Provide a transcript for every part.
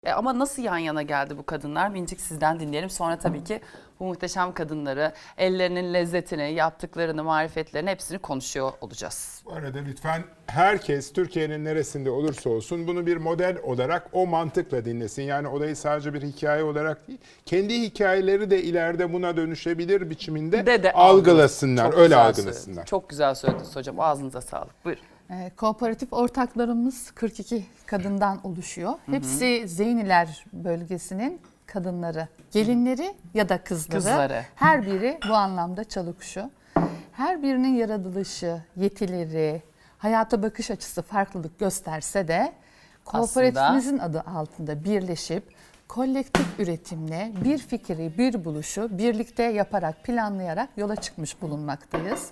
Ama nasıl yan yana geldi bu kadınlar? Mincik sizden dinleyelim. Sonra tabii ki bu muhteşem kadınları, ellerinin lezzetini, yaptıklarını, marifetlerini hepsini konuşuyor olacağız. Bu arada lütfen herkes Türkiye'nin neresinde olursa olsun bunu bir model olarak o mantıkla dinlesin. Yani olayı sadece bir hikaye olarak değil, kendi hikayeleri de ileride buna dönüşebilir biçiminde algılasınlar, öyle algılasınlar. Söylediniz. Çok güzel söylediniz hocam. Ağzınıza sağlık. Buyurun. Kooperatif ortaklarımız 42 kadından oluşuyor. Hepsi Zeyniler bölgesinin kadınları, gelinleri ya da kızları. Her biri bu anlamda çalıkuşu. Her birinin yaratılışı, yetileri, hayata bakış açısı farklılık gösterse de kooperatifimizin adı altında birleşip kolektif üretimle bir fikri, bir buluşu birlikte yaparak, planlayarak yola çıkmış bulunmaktayız.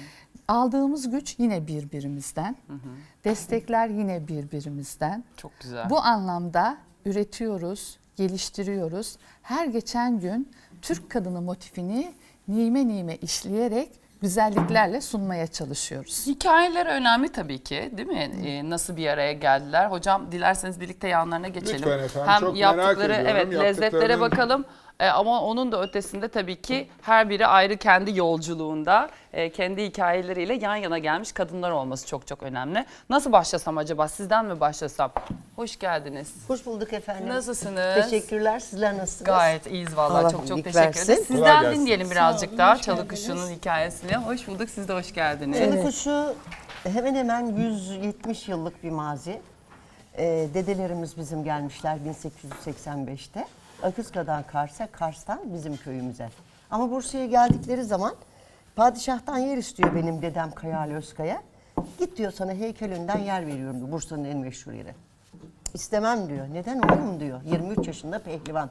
Aldığımız güç yine birbirimizden, destekler yine birbirimizden. Çok güzel. Bu anlamda üretiyoruz, geliştiriyoruz. Her geçen gün Türk kadını motifini nime nime işleyerek güzelliklerle sunmaya çalışıyoruz. Hikayeler önemli tabii ki, değil mi? Nasıl bir araya geldiler? Hocam dilerseniz birlikte yanlarına geçelim. Lütfen efendim, Hem çok yaptıkları, merak ediyorum. lezzetlere bakalım. Ama onun da ötesinde tabii ki her biri ayrı kendi yolculuğunda, kendi hikayeleriyle yan yana gelmiş kadınlar olması çok çok önemli. Nasıl başlasam acaba? Sizden mi başlasam? Hoş geldiniz. Hoş bulduk efendim. Nasılsınız? Teşekkürler. Sizler nasılsınız? Gayet iyiyiz vallahi. Allah Çok iyilik teşekkür versin. ederiz. Kolay Sizden gelsin. dinleyelim birazcık daha Çalıkuşu'nun hikayesini. Hoş bulduk. Siz de hoş geldiniz. Çalıkuşu hemen hemen 170 yıllık bir mazi. Dedelerimiz bizim gelmişler 1885'te. Akıska'dan Kars'a, Kars'tan bizim köyümüze. Ama Bursa'ya geldikleri zaman padişahtan yer istiyor benim dedem Kayal Özkaya. Git diyor, sana heykelinden yer veriyorum diyor, Bursa'nın en meşhur yeri. İstemem diyor. Neden oğlum diyor. 23 yaşında pehlivan.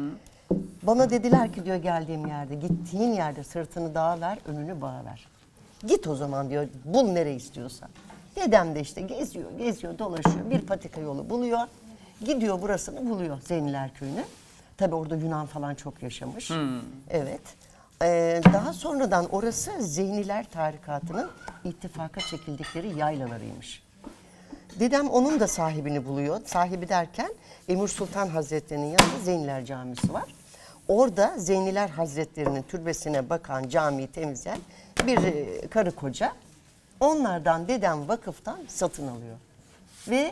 Bana dediler ki diyor, geldiğim yerde, gittiğin yerde sırtını dağa ver, önünü bağa ver. Git o zaman diyor, bul nereye istiyorsan. Dedem de işte geziyor, dolaşıyor. Bir patika yolu buluyor. Gidiyor, burasını buluyor, Zeyniler Köyü'nü. Tabii orada Yunan falan çok yaşamış. Evet. Daha sonradan orası Zeyniler Tarikatı'nın ittifaka çekildikleri yaylalarıymış. Dedem onun da sahibini buluyor. Sahibi derken Emir Sultan Hazretleri'nin yanında Zeyniler Camisi var. Orada Zeyniler Hazretleri'nin türbesine bakan, camiyi temizleyen bir karı koca. Onlardan dedem vakıftan satın alıyor. Ve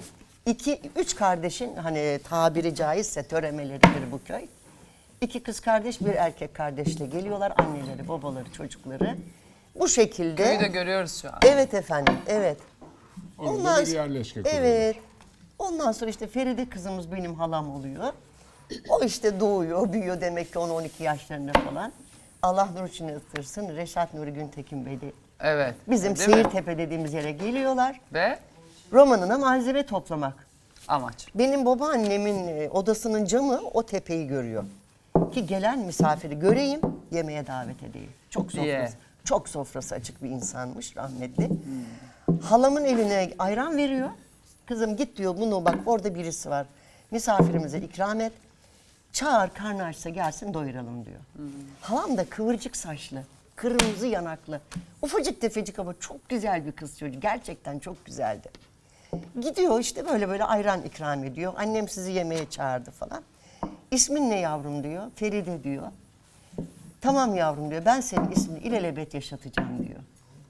3 kardeşin, hani tabiri caizse töremeleridir bu köy. 2 kız kardeş, bir erkek kardeşle geliyorlar. Anneleri, babaları, çocukları. Bu şekilde. Köyü de görüyoruz şu an. Evet efendim, evet. Orada bir yerleşke kuruyorlar. Evet. Ondan sonra işte Feride kızımız benim halam oluyor. O işte doğuyor, büyüyor demek ki 10-12 yaşlarında falan. Allah nur içine ısırsın. Reşat Nuri Güntekin Bey de Evet. bizim Değil mi? Seyirtepe dediğimiz yere geliyorlar. Ve Romanına malzeme toplamak. amaç. Benim babaannemin odasının camı o tepeyi görüyor. Ki gelen misafiri göreyim, yemeğe davet edeyim. Çok sofrası açık bir insanmış rahmetli. Halamın eline ayran veriyor. Kızım git diyor, bunu bak orada birisi var. Misafirimize ikram et. Çağır, karnı açsa gelsin doyuralım diyor. Halam da kıvırcık saçlı, kırmızı yanaklı. Ufacık tefecik ama çok güzel bir kız çocuğu. Gerçekten çok güzeldi. Gidiyor işte böyle ayran ikram ediyor. Annem sizi yemeğe çağırdı falan. İsmin ne yavrum diyor. Feride diyor. Tamam yavrum diyor. Ben senin ismini ilelebet yaşatacağım diyor.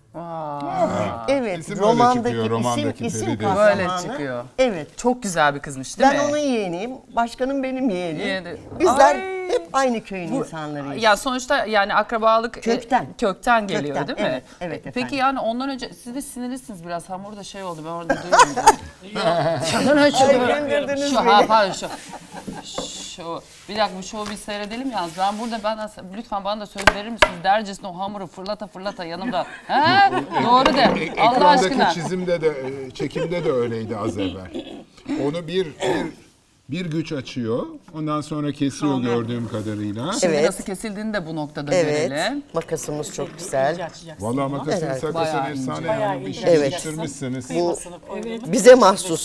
Evet, İsim romandaki, öyle çıkıyor, isim Feride. kahramanı. Böyle çıkıyor. Evet. Çok güzel bir kızmış değil mi? Ben onun yeğeniyim. Başkanım benim yeğenim. Yeğeni. Bizler Ay. hep aynı köyün insanlarıyız. Ya sonuçta yani akrabalık Kökten. geliyor Kökten, değil mi? evet Peki efendim. yani ondan önce siz de sinirlisiniz biraz. Hamur da şey oldu, ben orada duyuyorum. Şu bir dakika, bu şovu bir seyredelim yalnız. Ben burada lütfen bana da söz verir misiniz? Dercesine o hamuru fırlata yanımda. He? Doğru de. Allah aşkına. Ekrandaki çizimde de, çekimde de öyleydi az evvel. Onu bir güç açıyor. Ondan sonra kesiyor gördüğüm kadarıyla. Şimdi Evet. nasıl kesildiğini de bu noktada Evet. görelim. Makasımız çok güzel. Vallahi makasın Evet. sakasın Bayağı efsane ince. yani. Bir şey Evet. yetiştirmişsiniz. Bu bize mahsus.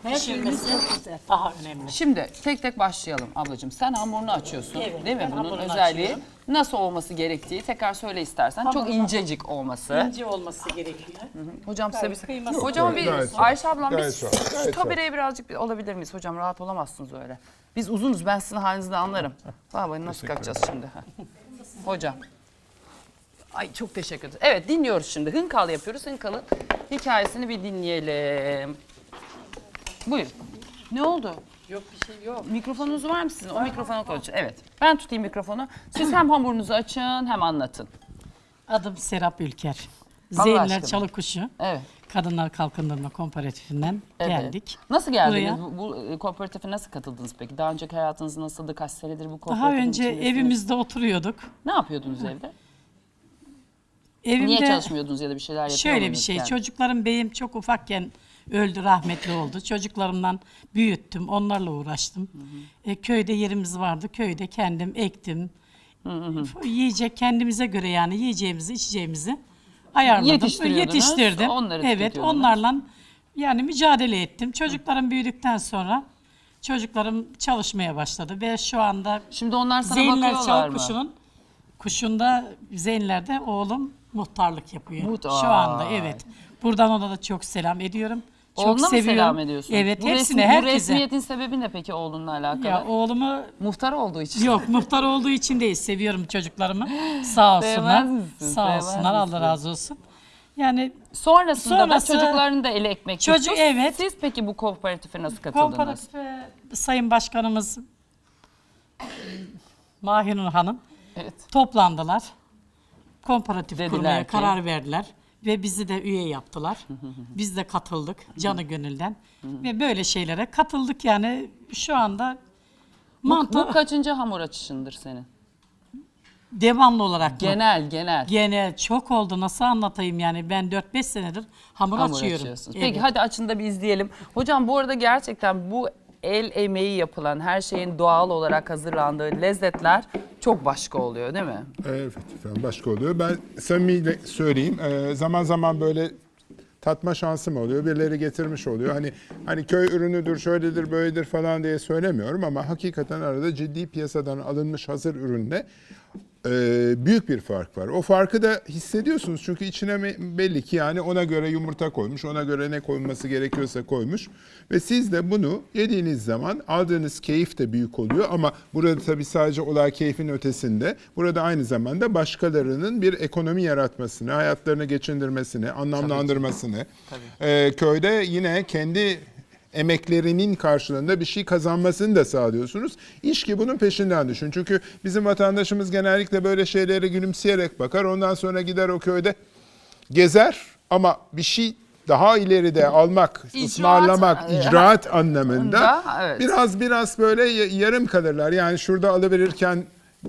Her şeyimiz çok güzel. Daha önemli. Şimdi tek tek başlayalım ablacığım. Sen hamurunu açıyorsun Evet, değil mi? ben Bunun hamurunu özelliği açıyorum. nasıl olması gerektiği tekrar söyle istersen. Çok Hamurunu- incecik olması. İnce olması gerekiyor. Hocam size Gayet bir... kıyması Hocam var. bir Gayet var. Ayşe ablam Gayet biz var. şu Gayet kamerayı birazcık alabilir miyiz? Hocam rahat olamazsınız öyle. Biz uzunuz, ben sizin halinizi anlarım. Baba nasıl kalkacağız şimdi? Hocam. Ay çok teşekkür ederim. Evet dinliyoruz şimdi. Hınkal yapıyoruz. Hınkal'ın hikayesini bir dinleyelim. Buyurun. Ne oldu? Yok bir şey yok. Mikrofonunuz var mı sizin? O mikrofona konuşun. Evet. Ben tutayım mikrofonu. Siz hem hamurunuzu açın hem anlatın. Adım Serap Ülker. Allah Zeynler aşkına. Çalıkuşu. Evet. Kadınlar Kalkındırma Komparatifinden Evet. geldik. Nasıl geldiniz? Buraya. Bu kooperatife nasıl katıldınız peki? Daha önceki hayatınız nasıldı? Kaç senedir bu Daha kooperatifin önce içindesiniz? evimizde oturuyorduk. Ne yapıyordunuz evde? Evimde Niye çalışmıyordunuz ya da bir şeyler yapıyor şöyle bir muydunuz şey. yani? Çocuklarım beyim çok ufakken öldü, rahmetli oldu. Çocuklarımdan büyüttüm, onlarla uğraştım. Köyde yerimiz vardı. Köyde kendim ektim. Yiyecek kendimize göre yani yiyeceğimizi, içeceğimizi ayarladım. Yetiştiriyordunuz, Yetiştirdim. onları Evet, tüketiyordunuz. onlarla yani mücadele ettim. Çocuklarım büyüdükten sonra çocuklarım çalışmaya başladı ve şu anda Şimdi onlar sana Zeynler bakıyorlar mı? Çalıkuşu'nun kuşunda Zeynler'de oğlum muhtarlık yapıyor. Muhtar. Şu anda evet. Buradan ona da çok selam ediyorum. Çok Oğluna mı seviyorum. selam ediyorsun? Evet, Bu hepsine, Bu herkese. resmiyetin sebebi ne peki oğlunla alakalı? Ya oğlumu Muhtar olduğu için. yok muhtar olduğu için değil, seviyorum çocuklarımı. Sağ olsunlar. Sevmez misin? Sağ Sevmez olsunlar. Allah misin? razı olsun. Yani Sonrasında Sonrası- da çocukların da eli ekmek Çocuk- tuttu. evet. Siz peki bu kooperatife nasıl katıldınız? komparatife Sayın Başkanımız Mahinur Hanım Evet. toplandılar. Komparatif Dediler kurmaya ki- karar verdiler. Ve bizi de üye yaptılar. Biz de katıldık canı gönülden. Ve böyle şeylere katıldık yani şu anda Bu kaçıncı hamur açışındır senin? devamlı olarak mı? Genel. Gene çok oldu, nasıl anlatayım yani ben 4-5 senedir hamur Hamur açıyorum. açıyorsunuz. Evet. Peki hadi açın da bir izleyelim. Hocam bu arada gerçekten bu el emeği yapılan her şeyin doğal olarak hazırlandığı lezzetler çok başka oluyor değil mi? Evet efendim başka oluyor. Ben samimiyle söyleyeyim. Zaman zaman böyle tatma şansım oluyor. Birileri getirmiş oluyor. Hani köy ürünüdür, şöyledir, böyledir falan diye söylemiyorum ama hakikaten arada ciddi piyasadan alınmış hazır ürünle büyük bir fark var. O farkı da hissediyorsunuz çünkü içine belli ki yani ona göre yumurta koymuş, ona göre ne koyulması gerekiyorsa koymuş ve siz de bunu yediğiniz zaman aldığınız keyif de büyük oluyor ama burada tabii sadece olay keyfin ötesinde burada aynı zamanda başkalarının bir ekonomi yaratmasını, hayatlarını geçindirmesini, anlamlandırmasını, köyde yine kendi emeklerinin karşılığında bir şey kazanmasını da sağlıyorsunuz. İş ki bunun peşinden düşün. Çünkü bizim vatandaşımız genellikle böyle şeylere gülümseyerek bakar. Ondan sonra gider o köyde gezer ama bir şey daha ileride almak, ısmarlamak, icraat anlamında evet. biraz böyle yarım kalırlar. Yani şurada alıverirken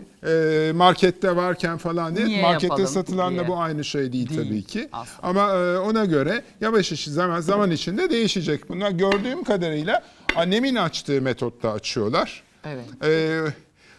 markette varken falan diye. Niye Markette yapalım satılan diye. da bu aynı şey değil tabii ki. aslında. Ama ona göre yavaş zaman içinde değişecek. Bunlar gördüğüm kadarıyla annemin açtığı metotla açıyorlar. Evet.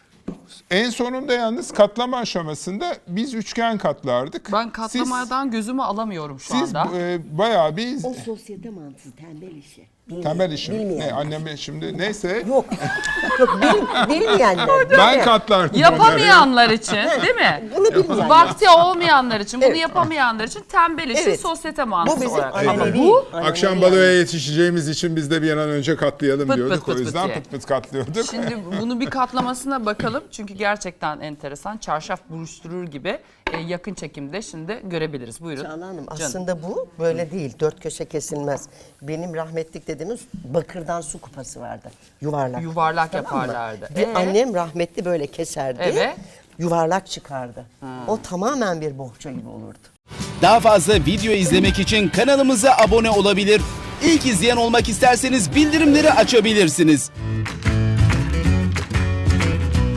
En sonunda yalnız katlama aşamasında biz üçgen katlardık. Ben katlamadan gözümü alamıyorum şu Siz anda. bayağı bir O sosyete mantığı tembel işi. temel işim. Bilmeyen. Ne anneme şimdi neyse Yok. Yok bilmeyenler. ben katlardım. Yapamayanlar için değil mi? Bunu bilmeyenler. Vakti olmayanlar için, bunu Evet. yapamayanlar için tembel işi Evet. sosyete Bu mantığı bizim olarak. Aynen. Ama manevi. bu Akşam baloya yetişeceğimiz için biz de bir an önce katlayalım Pıt diyorduk. pıt pıt O yüzden diye. pıt pıt katlıyorduk. şimdi bunu bir katlamasına bakalım. Çünkü gerçekten enteresan. Çarşaf buruşturur gibi yakın çekimde şimdi görebiliriz. Buyurun. Çağla Hanım Canım. aslında bu böyle değil. Dört köşe kesilmez. Benim rahmetlik dediğimiz bakırdan su kupası vardı. Yuvarlak. Yuvarlak Tamam mı? yaparlardı. Bir annem rahmetli böyle keserdi. Evet. Yuvarlak çıkardı. O tamamen bir bohça gibi olurdu. Daha fazla video izlemek için kanalımıza abone olabilir. İlk izleyen olmak isterseniz bildirimleri açabilirsiniz.